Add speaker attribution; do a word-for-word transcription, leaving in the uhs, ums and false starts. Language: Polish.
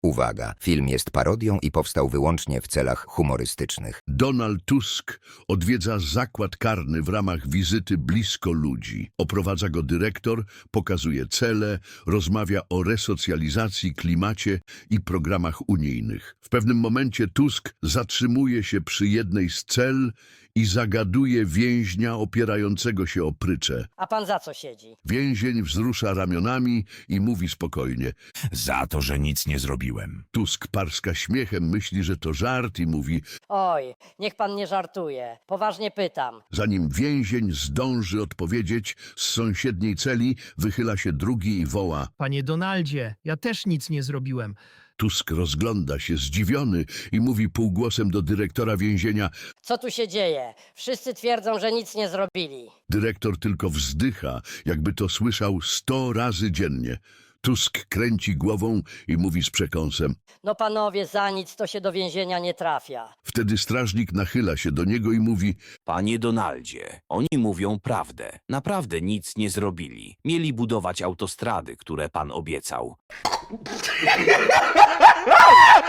Speaker 1: Uwaga, film jest parodią i powstał wyłącznie w celach humorystycznych.
Speaker 2: Donald Tusk odwiedza zakład karny w ramach wizyty blisko ludzi. Oprowadza go dyrektor, pokazuje cele, rozmawia o resocjalizacji, klimacie i programach unijnych. W pewnym momencie Tusk zatrzymuje się przy jednej z cel i zagaduje więźnia opierającego się o pryczę.
Speaker 3: A pan za co siedzi?
Speaker 2: Więzień wzrusza ramionami i mówi spokojnie.
Speaker 4: Za to, że nic nie zrobiłem.
Speaker 2: Tusk parska śmiechem, myśli, że to żart i mówi,
Speaker 3: Oj, niech pan nie żartuje. Poważnie pytam.
Speaker 2: zanim więzień zdąży odpowiedzieć, z sąsiedniej celi wychyla się drugi i woła.
Speaker 5: Panie Donaldzie, ja też nic nie zrobiłem.
Speaker 2: Tusk rozgląda się zdziwiony i mówi półgłosem do dyrektora więzienia.
Speaker 3: Co tu się dzieje? Wszyscy twierdzą, że nic nie zrobili.
Speaker 2: Dyrektor tylko wzdycha, jakby to słyszał sto razy dziennie. Tusk kręci głową i mówi z przekąsem.
Speaker 3: No panowie, za nic to się do więzienia nie trafia.
Speaker 2: Wtedy strażnik nachyla się do niego i mówi.
Speaker 6: Panie Donaldzie, oni mówią prawdę. Naprawdę nic nie zrobili. Mieli budować autostrady, które pan obiecał.